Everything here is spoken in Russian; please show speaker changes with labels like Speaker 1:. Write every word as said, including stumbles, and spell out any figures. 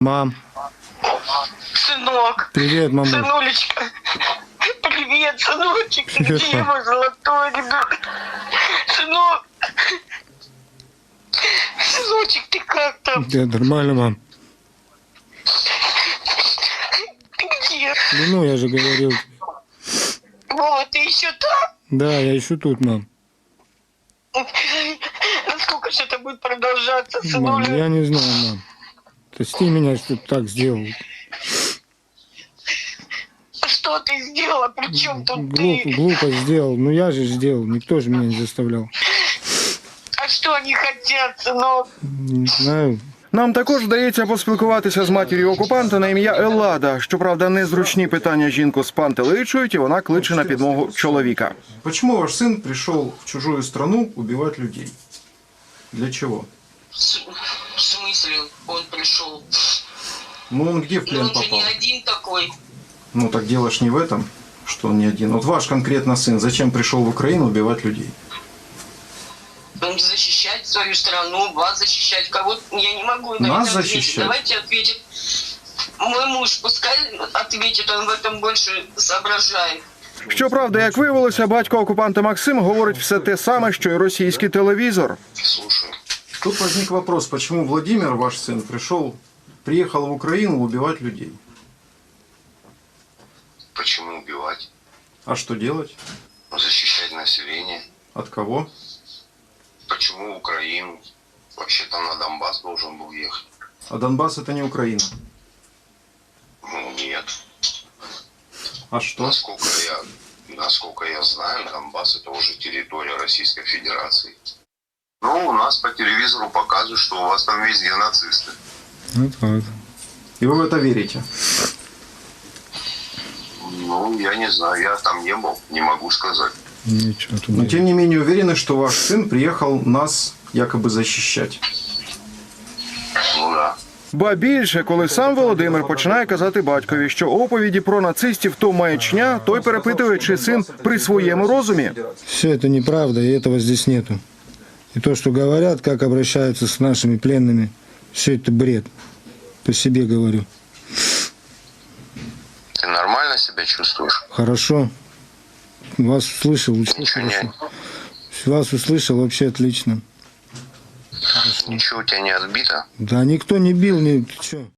Speaker 1: Мам.
Speaker 2: Сынок.
Speaker 1: Привет, мама.
Speaker 2: Сынулечка. Привет, сыночек. Ты
Speaker 1: Привет,
Speaker 2: где
Speaker 1: мам.
Speaker 2: мой золотой ребенок? Сынок. Сыночек, ты как там?
Speaker 1: Да, нормально, мам.
Speaker 2: Ты где?
Speaker 1: Да ну, я же говорил.
Speaker 2: Вова, ты еще там?
Speaker 1: Да, я еще тут, мам.
Speaker 2: Сколько же это будет продолжаться,
Speaker 1: Мам,
Speaker 2: сынуля?
Speaker 1: я не знаю, мам. Прости меня, что так сделал.
Speaker 2: Что ты сделала? При чем тут
Speaker 1: Глуп,
Speaker 2: ты?
Speaker 1: глупо сделал. Ну я же сделал. Никто же меня не заставлял.
Speaker 2: А что они хотят, сынок?
Speaker 1: Не знаю.
Speaker 3: Нам також вдається поспілкуватися з матір'ю окупанта на ім'я Еллада. Щоправда, незручні питання жінку спантеличують, і вона кличе на підмогу чоловіка.
Speaker 4: Почему ваш сын пришел в чужую страну убивать людей? Для чего?
Speaker 2: В смысле он пришел?
Speaker 4: Ну он где в
Speaker 2: Ну
Speaker 4: плен
Speaker 2: он же
Speaker 4: попал?
Speaker 2: не один такой.
Speaker 4: Ну так дело ж не в этом, что он не один. Вот ваш конкретно сын зачем пришел в Украину убивать людей?
Speaker 2: Он защищать свою страну, вас защищать, кого-то я не могу на
Speaker 4: Нас
Speaker 2: это ответить.
Speaker 4: защищать?
Speaker 2: Давайте ответит мой муж, пускай ответит, он в этом больше соображает.
Speaker 3: Щоправда, як виявилося, батько окупанта Максим говорить все те саме, що й російський телевізор.
Speaker 5: Слушаю.
Speaker 4: Тут возник вопрос, почему Владимир, ваш сын, пришел, приехал в Украину убивать людей?
Speaker 5: Почему убивать?
Speaker 4: А что делать?
Speaker 5: Защищать население.
Speaker 4: От кого?
Speaker 5: Почему Украину? Вообще-то на Донбасс должен был ехать.
Speaker 4: А Донбасс это не Украина.
Speaker 5: Ну, нет.
Speaker 4: А что?
Speaker 5: Насколько я, насколько я знаю, Донбасс это уже территория Российской Федерации. Ну, у нас по телевизору показывают, что у вас там везде нацисты.
Speaker 1: Вот так.
Speaker 4: И вы в это верите?
Speaker 5: Ну, я не знаю, я там не был, не могу сказать.
Speaker 1: Ничего тут
Speaker 4: Но
Speaker 1: нет.
Speaker 4: тем не менее уверены, что ваш сын приехал нас якобы защищать.
Speaker 5: Ну да.
Speaker 3: Ба більше, коли сам Володимир починає казати батькові, що оповіді про нацистів то маячня, той перепитує, чи син при своєму розумі.
Speaker 1: Все это неправда, и этого здесь нету. И то, что говорят, как обращаются с нашими пленными, все это бред. По себе говорю.
Speaker 5: Ты нормально себя чувствуешь?
Speaker 1: Хорошо. Вас услышал, очень
Speaker 5: Ничего не,
Speaker 1: хорошо. Вас услышал, вообще отлично.
Speaker 5: ничего у тебя не отбито?
Speaker 1: Да никто не бил, ни... Ты чё?